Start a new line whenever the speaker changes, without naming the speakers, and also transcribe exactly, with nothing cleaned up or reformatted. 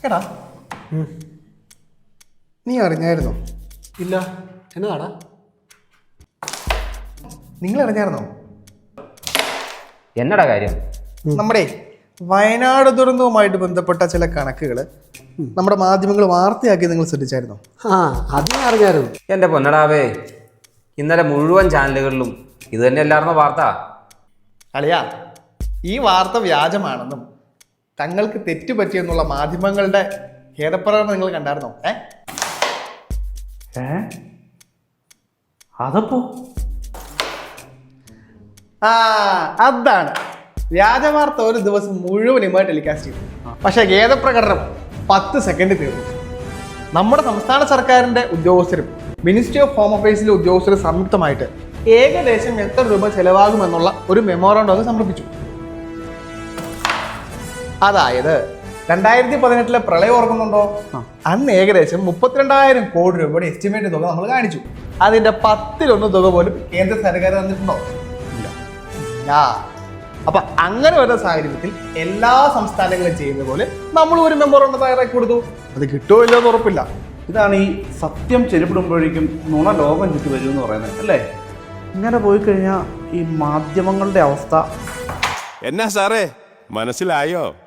എടാ നീ അറിഞ്ഞായിരുന്നോ?
ഇല്ല, എന്നതാടാ?
നിങ്ങൾ അറിഞ്ഞായിരുന്നോ?
എന്നടാ കാര്യം?
നമ്മുടെ വയനാട് ദുരന്തവുമായിട്ട് ബന്ധപ്പെട്ട ചില കണക്കുകൾ നമ്മുടെ മാധ്യമങ്ങൾ വാർത്തയാക്കി നിങ്ങൾ ശ്രദ്ധിച്ചായിരുന്നോ?
ആ, അത് ഞാൻ അറിഞ്ഞായിരുന്നു.
എൻ്റെ പൊന്നടാവേ, ഇന്നലെ മുഴുവൻ ചാനലുകളിലും ഇത് തന്നെയല്ലായിരുന്നോ വാർത്ത?
അളിയാ, ഈ വാർത്ത വ്യാജമാണെന്നും തങ്ങൾക്ക് തെറ്റുപറ്റിയെന്നുള്ള മാധ്യമങ്ങളുടെ ഖേദപ്രകടനം നിങ്ങൾ കണ്ടായിരുന്നോ? ഏ
ഏ അതപ്പോ
ആ അതാണ് വ്യാജവാർത്ത ഒരു ദിവസം മുഴുവനുമായി ടെലികാസ്റ്റ് ചെയ്തു. പക്ഷെ ഖേദപ്രകടനം പത്ത് സെക്കൻഡ് തീർന്നു. നമ്മുടെ സംസ്ഥാന സർക്കാരിന്റെ ഉദ്യോഗസ്ഥരും മിനിസ്ട്രി ഓഫ് ഹോം അഫയേഴ്സിലെ ഉദ്യോഗസ്ഥരും സംയുക്തമായിട്ട് ഏകദേശം എത്ര രൂപ ചെലവാകുമെന്നുള്ള ഒരു മെമ്മോറാണ്ടം സമർപ്പിച്ചു. അതായത് രണ്ടായിരത്തി പതിനെട്ടിലെ പ്രളയം ഓർക്കുന്നുണ്ടോ? അന്ന് ഏകദേശം മുപ്പത്തിരണ്ടായിരം കോടി രൂപയുടെ എസ്റ്റിമേറ്റ് തുക നമ്മൾ കാണിച്ചു. അതിന്റെ പത്തിലൊന്ന് തുക പോലും കേന്ദ്ര സർക്കാർ തന്നിട്ടുണ്ടോ? ഇല്ല. അപ്പൊ അങ്ങനെ വരുന്ന സാഹചര്യത്തിൽ എല്ലാ സംസ്ഥാനങ്ങളും ചെയ്യുന്ന പോലെ നമ്മൾ ഒരു മെമ്മോറാണ്ടം തയ്യാറാക്കി കൊടുത്തു. അത് കിട്ടുമോ ഇല്ലോ എന്ന് ഉറപ്പില്ല.
ഇതാണ് ഈ സത്യം ചെരുപ്പിടുമ്പോഴേക്കും നുണ ലോകം ചുറ്റി വരും എന്ന് പറയുന്നത് അല്ലേ? ഇങ്ങനെ പോയി കഴിഞ്ഞാൽ ഈ മാധ്യമങ്ങളുടെ അവസ്ഥ
എന്നാ സാറേ, മനസ്സിലായോ?